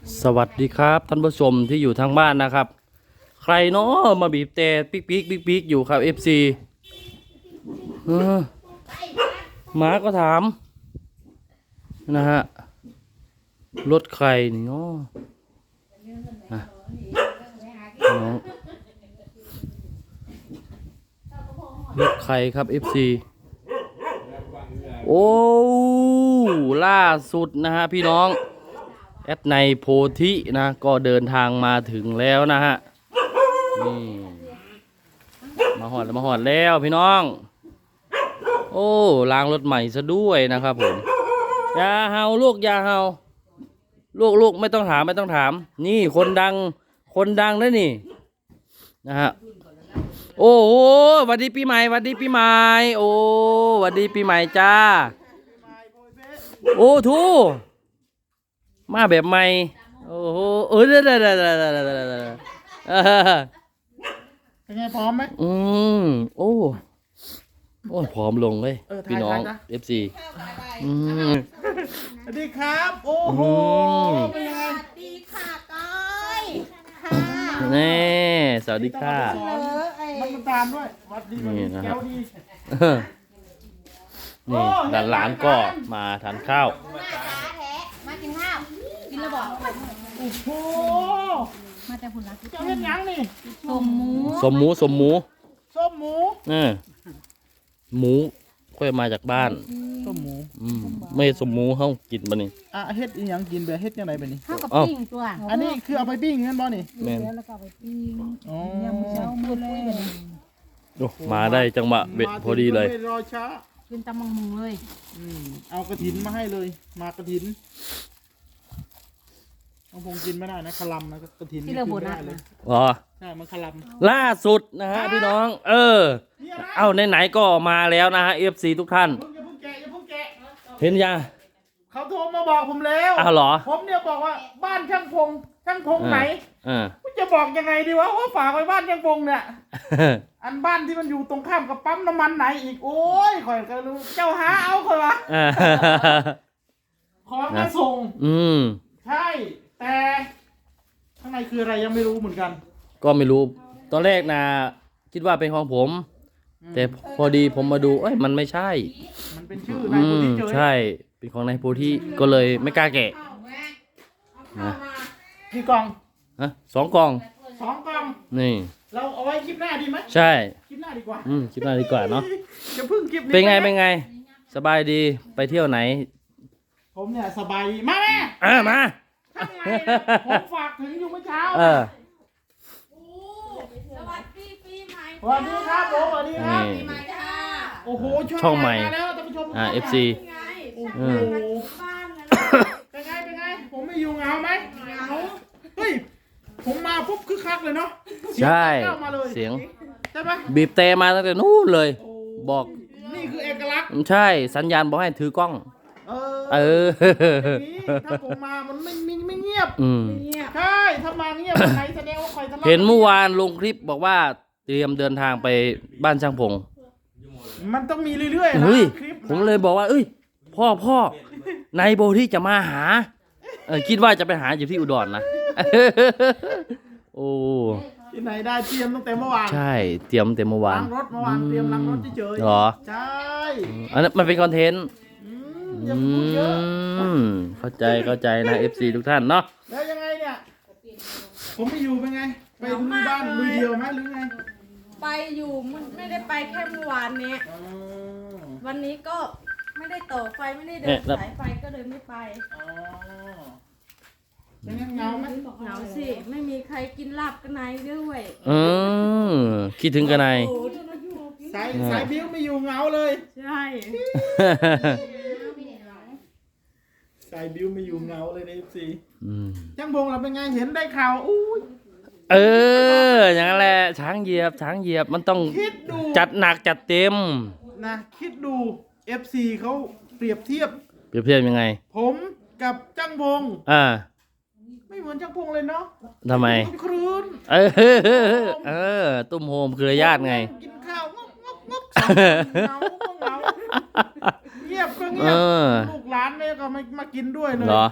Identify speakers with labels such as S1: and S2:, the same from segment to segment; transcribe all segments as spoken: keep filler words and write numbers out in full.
S1: สวัสดีครับท่านผู้ชมที่อยู่ทางบ้านนะครับ ใครเนาะมาบีบแต่ปิ๊กปิ๊กปิ๊กปิ๊กอยู่ครับ เอฟ ซี เออหมาก็ถามนะฮะรถใครนี่เนาะอ่ะน้องรถใครครับ เอฟ ซี โอ้ล่าสุดนะฮะพี่น้องแอดในโพธินะก็เดินทางมาถึงแล้วนะฮะนี่มาหอดมาหอดแล้วพี่น้องโอ้ล้างรถใหม่ซะด้วยนะครับผมอย่าเฮาลูกอย่าเฮาลูกลูกไม่ต้องถามไม่ต้องถามนี่คนดังคนดังนะนี่นะฮะโอ้โหสวัสดีปีใหม่สวัสดีปีใหม่โอ้สวัสดีปีใหม่จ้าโอ้ทูมาแบบใหม่โอ้โหเออเด้อเด้อเด้อเด้อเด้อเด้อเด้อเออ
S2: เป็นไงพร้อมไหม
S1: อืมโอ้โอ้ผอมลงเลยพี่น้อง เอฟ ซี อืม
S2: สวัสดีครับโอ้โหเป็นยังไง
S3: สวัสดีค่ะก้อยค่ะ
S1: นี่สวัสดีค่ะ
S2: มันมาตามด้วยวัดดีวัดดีแก้วดี
S1: นี่หลานๆก็มาทานข้าว
S3: มาจ้าแท้มากินข้าวกินแล้วบอก
S2: โอ้โห
S3: มาแต่ผุนรัก
S2: เจ้าเห็นยังนี่
S3: สมหมู
S1: สมหมูสมหมู
S2: ส้มหมู
S1: เออหมูค่อยมาจากบ้าน
S2: ส้มหมู
S1: อืมไม่สมหมูเขากินปะนี่
S2: อ่ะเฮ็ดอีหยังกินแบบเฮ็ดยังไงแบบนี้
S3: ข้าวกับ
S1: เอ้า
S3: ปิ้งตัว
S2: อันนี้คือเอาไปปิ้งงั้นบ่นี่
S1: แม่น
S3: แล้วก็ไปปิ้ง
S2: อ๋อย
S3: ำเช้ามือเลย
S1: โอ้มาได้จังหวะเบ็ดพอดีเลย
S2: ไม่รอช้า
S3: กินตำมังมุงเลย
S2: อืมเอากระถินมาให้เลย มากระถินน้องพงกินไม่ได้นะคลำนะกระถิน
S3: ที่เราโบนัส
S2: เล
S3: นะ
S2: ย
S1: อ๋อ
S2: ใช่มันคลำ
S1: ล่าสุดนะฮะพี่น้อง เออ เอาไหนๆก็มาแล้วนะฮะ เอฟ ซี ทุกท่าน
S2: อย่าเพิ่งแกะอย่าเพิ่งแกะ
S1: เห็นยัง
S2: เขาโทรมาบอกผมแล้ว
S1: อ้าวเหรอ
S2: ผมเนี่ยบอกว่าบ้านช่างพงช่างพงไหน
S1: อ่า
S2: ผมจะบอกยังไงดีวะว่าฝากไว้บ้านช่างพงเนี่ย อันบ้านที่มันอยู่ตรงข้ามกับปั๊มน้ำมันไหนอีกโอ้ยข่อยก็รู้เจ้าหาเอาข่อยวะ
S1: อ่า
S2: ของมาส่ง
S1: อืม
S2: ใช่ แต่ข้างในคืออะไรยังไม่รู้เหมือนกัน
S1: ก็ไม่รู้ ตอนแรกนะคิดว่าเป็นของผม แต่พอดีผมมาดู เอ้ย มันไม่ใช่
S2: มันเป็นชื่อนาย
S1: อื
S2: คน
S1: ม
S2: ที่เจอ
S1: ใช่ เป็นของนายโพธิก็เลยไม่กล้าแกะนะ
S2: กี่กล่อง
S1: ฮะสองกล่อง
S2: สองกล่อง
S1: นี่
S2: เราเอาไว้คลิปหน้าดีไหม
S1: ใช่
S2: คลิปหน้าดีกว่า
S1: อืมคิดหน่าดีกว่าเนาะ
S2: จะพึ่งคลิปนี้
S1: เป็นไง
S2: หม
S1: เป็นไง สบายดี ไปเที่ยวไหน
S2: ผมเนี่ยสบายดีมาแม่
S1: อ่ามา
S2: ข้างในนะผมฝากถึงอยู่เมื่อเช้า
S1: เออ
S3: สวัสดีปีใหม่
S2: สวัสดีครับผมสวัสดีครับ
S1: นี่
S3: ปีใหม่จ้า
S2: โอ้โห
S1: ช่องใหม่
S2: าแล้วท่านผู้ชม
S1: อ่า เอฟ ซี
S3: ไง
S2: โอ้โห
S1: อืม
S3: บ้านนะ
S2: เป็นไงเป็นไง ผมไม่อยู่เหงาไหมเหงาเฮ้ย ผมมาปุ๊บคึกคักเลยเนาะ
S1: ใช่
S2: เสียงเข้ามาเลย
S1: เสียง
S2: ใช่ไหม
S1: บีบแต่มาตั้งแต่นู้นเลย
S2: โอ้
S1: บอก
S2: นี่คือเอกลักษณ์
S1: ใช่ สัญญาณบอกให้ถือกล้อง
S2: เออ
S1: เออ
S2: อย่างนี้ถ้าผมมามันไม่ไม่ไม่เงียบ
S1: อืม
S3: เงียบ
S2: ใช่ถ้ามาเงียบใครแสดงว่าใครทะเลาะ
S1: เห็นเมื่อวานลงคลิปบอกว่าเตรียมเดินทางไปบ้านช่างพง
S2: มันต้องมีเรื่อยๆนะ
S1: เฮ้ย
S2: คลิป
S1: ผมเลยบอกว่า เอ้ย พ่อพ่อนายโบที่จะมาหา เออคิดว่าจะไปหาอยู่ที่อุดรนะ โอ้
S2: ที่ไหนได้เตรียมตั้งแต่เมื่อวาน
S1: ใช่ เตรียมเต็มเมื่อวาน
S2: ล้างรถเมื่อวานเตรียมล้างรถเฉยๆ
S1: เหรอ
S2: ใช่
S1: อันนั้นมันเป็นคอนเทนต์
S2: อืมอย่า
S1: อื
S2: พูดเยอะ
S1: มเข้าใจเข้าใจนะ เอฟ ซี ทุกท่านเนาะ
S2: แล้วยังไงเนี่ย ผมไปอยู่เป็นไง ไปดูบ้านลุยเดียวไหมหรือไง
S4: ไปอยู่มันไม่ได้ไปแค่เมื่อวานนี้
S2: อ๋อ
S4: วันนี้ก็ไม่ได้ต่อไฟไม่ได้เดิ
S1: เนี่ย
S4: น
S1: แล้ว
S4: สายไฟก็เลยไม่ไป
S2: อ๋อเป็นไงเหงาไหม
S4: เหงาสิไม่มีใครกินลาบกันไหนด้วย
S1: อืมคิดถึงกันไน
S4: โอ้
S2: สายสายบิ้วไม่อยู่เหงาเลย
S4: ใช่
S2: สายบิ้วไม่อยู่เหงาเลยในเอฟซี
S1: อืม
S2: จังบงเราเป็นไงเห็นได้ข่าวอู้ย
S1: เออ อย่างนั้นแหละ ช้างเหยียบ ช้างเหยียบ มันต้อง
S2: คิดดู
S1: จัดหนักจัดเต็ม
S2: นะคิดดู เอฟ ซี เขาเปรียบเทียบ
S1: เปรียบเทียบยังไง
S2: ผมกับจังบง
S1: อ่า
S2: ไม่เหมือนจังพงเลยเนาะ
S1: ทำไม
S2: ครืน
S1: เออ เออ ตุ้มโฮมเครือญาติไง
S2: กินข้าวงกงกงกสามคนเหงาก็เหงาเงียบก็เงี
S1: เอย
S2: บ
S1: อ
S2: ลูกหลานเนี่ยก็ไม่มากินด้วยเลย
S1: เหรอ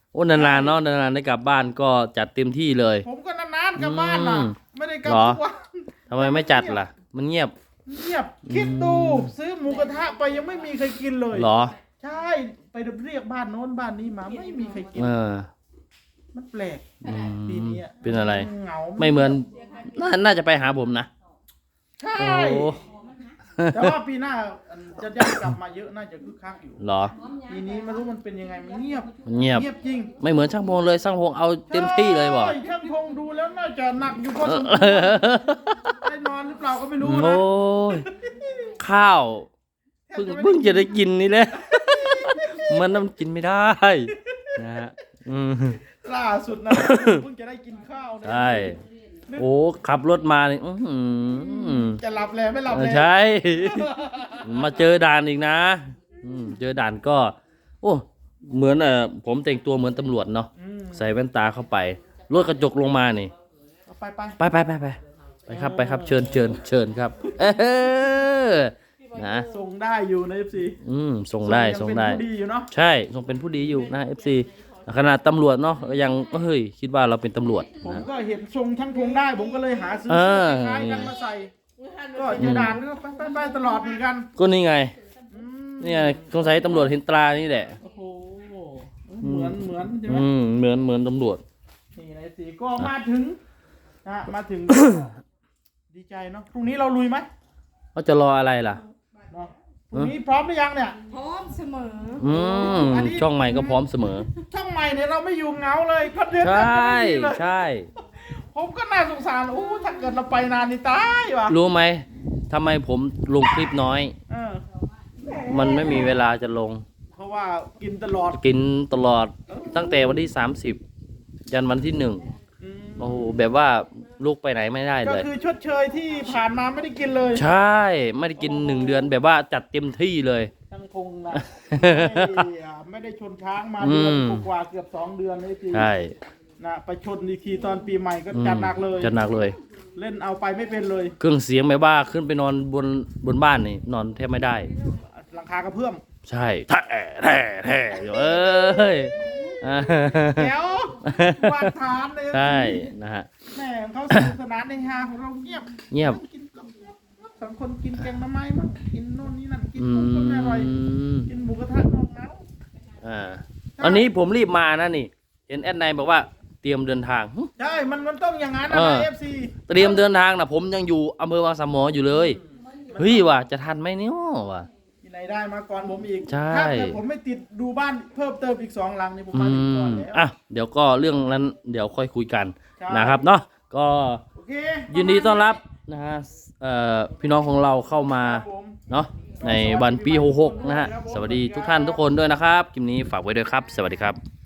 S1: โอ้นานๆเนาะนานๆได้กลับบ้านก็จัดเต็มที่เลย
S2: ผมก็นานๆกลับบ้านล่ะ
S1: อืม
S2: ไม่ได้กลับ
S1: เหรอ
S2: ทุกวัน
S1: ทำไมไม่จัดล่ะ มันเงียบ
S2: เงียบคิดดูซื้อหมูกระทะไปยังไม่มีใครกินเลย
S1: เหรอ
S2: ใช่ไปเรียกบ้านโน้นบ้านนี้มาไม่มีใครกิน
S1: เออ
S2: มันแปลก
S1: อืม
S2: ปีนี้อะ
S1: เป็นอะไร
S2: เหงา
S1: ไม่เหมือนน่าน่าจะไปหาผมนะ
S2: ใช่
S1: โอ้
S2: แต่ว่าปีหน้าจะได้กลับมาเยอะน่าจะคึกคักอยู่
S1: เหรอ
S2: ปีนี้ไม่รู้มันเป็นยังไงมันเงียบ
S1: มันเงียบ
S2: เงียบจริง
S1: ไม่เหมือนช่างพงเลยช่างพงเอาเต็มที่เลยบอก
S2: ใช่ช่างพงดูแล้วน่าจะหนักอยู่พอสมควรได้นอนหรือเปล่าก็ไม่รู้
S1: โอ้
S2: นะ
S1: ยข้าวเพิ่งเพิ่งจะได้กินนี่แหละ มันน้ำกินไม่ได้นะฮะอืม
S2: ล่าสุดนะเพิ่งจะได้กินข้าวนะ
S1: ใช่ โอ้ขับรถมานี่อื้อหือ
S2: จะหลับแล้วไม่หลับแล้ว
S1: ใช่ มาเจอด่านอีกนะอืมเจอด่านก็ โอ้เหมือนเอ่อผมแต่งตัวเหมือนตำรวจเนาะ
S2: อืม
S1: ใส่แว่นตาเข้าไปรถกระจกลงมานี่
S2: เอาไปไป
S1: ไปไปไปไปไปครับไปครับเชิญเชิญเชิญครับ เออนะ
S2: ส่งได้อยู่ใน เอฟ ซี
S1: อืมส่งได้ส่งได้
S2: เป็นผู้ดีอยู่เนาะ
S1: ใช่ส่งเป็นผู้ดีอยู่นะ เอฟ ซี ขนาดตำรวจเนาะก็ยังเฮ้ยคิดว่าเราเป็นตำรวจ
S2: ผม
S1: นะ
S2: ก็เห็นทรงช่างพงได้ ผมก็เลยหาซื้อ
S1: เออ
S2: คล้ายๆกันมาใส่ ก็เจะด่านก็ไปไปไปตลอดเหมือนกัน
S1: ก็นี่ไง
S2: อืม
S1: นี่ไงสงสัยตำรวจเห็นตรานี่แหละ
S2: โอ้โหเหมือนเหมือนใช่ไหม
S1: อืมเหมือนเหมือนตำรวจ
S2: นี่ในสีก็มาถึงนะมาถึง ดีใจเนาะพรุ่งนี้เราลุยไหม
S1: เขาจะรออะไรล่ะ
S2: เนาะพรุ่งนี้พร้อมหรือยังเนี่ย
S3: พร้อมเสมอ
S1: อืม
S2: อันนี้
S1: ช่องใหม่ก็พร้อมเสมอ
S2: ช่างใหม่เนี่ยเราไม่อยู่เหงาเลยก็เดือน
S1: ใช
S2: กัน่ ไม่มีเลย
S1: ใช่
S2: ผมก็น่าสงสารโอ้ถ้าเกิดเราไปนานนี่ตายว่ะ
S1: รู้ไหมทำไมผมลงคลิปน้อย
S2: เออ
S1: มันไม่มีเวลาจะลง
S2: เพราะว่ากินตลอด
S1: กินตลอดตั้งแต่วันที่สามสิบยันวันที่หนึ่ง
S2: อืม
S1: โอ้โหแบบว่าลูกไปไหนไม่ได้
S2: ก็
S1: เลย
S2: คือชดเชยที่ผ่านมาไม่ได้กินเลย
S1: ใช่ไม่ได้กินหนึ่งเดือนแบบว่าจัดเต็มที่เลย
S2: ช่างพงนะไม่อ่ะไม่ได้ชนช้างมาเดือน
S1: อืม
S2: กว่าๆเกือบสองเดือนเลยที
S1: ใช่
S2: นะไปชนอีกทีตอนปีใหม่ก็
S1: อืม
S2: จัดหนักเลย
S1: จัดหนักเลย
S2: เล่นเอาไปไม่เป็นเลย
S1: เครื่องเสียงแบบว่าขึ้นไปนอนบนบนบ้านนี่นอนแทบไม่ได้
S2: หลังคากระเพื่อม
S1: ใช่แท้แท้แท้อยู่เอ้ยอ่า
S2: แถววาดฐานเลย
S1: ใช่นะฮะ
S2: แม่เขาสนุกสนานในฮาของเราเงียบ
S1: เงียบ
S2: นั่งกินกับสองคนกินแกงหน้ำไม้มั่งกินโน่นนี่นั่นกิน
S1: อื
S2: นุ่มก็ไม่อร่อย
S1: ม
S2: กินหมูกระทะนอกน้
S1: อ่าตอนนี้ผมรีบมานะนี่ เห็นแอดไนบอกว่าเตรียมเดินทางหึ
S2: ำใช่มันมันต้องอย่างนั้นนะ
S1: เออ
S2: เอฟซี
S1: เตรียมเดินทางนะผมยังอยู่อำเภอวังสามหมออยู่เลยเฮ้ยว่ะจะทันไหมเนี่ยว่ะ
S2: ที่ไหนได้มาก่อนผมอีก
S1: ใช่
S2: ถ้าเกิดผมไม่ติดดูบ้านเพิ่มเติมอีกสองหลังนี่ผม
S1: อื
S2: มาถึงก่อน
S1: ม
S2: แล้ว
S1: อ่ะเดี๋ยวก็เรื่องนั้นเดี๋ยวค่อยคุยกัน
S2: ใช่
S1: นะครับเนาะก็
S2: โอเค
S1: ยินดีต้อนรับนะฮะเอ่อพี่น้องของเราเข้ามา
S2: ครับผม
S1: เนาะในวันปีหกหกนะฮะสวัสดีทุกท่านทุกคนด้วยนะครับคลิปนี้ฝากไว้ด้วยครับ สวัสดีครับ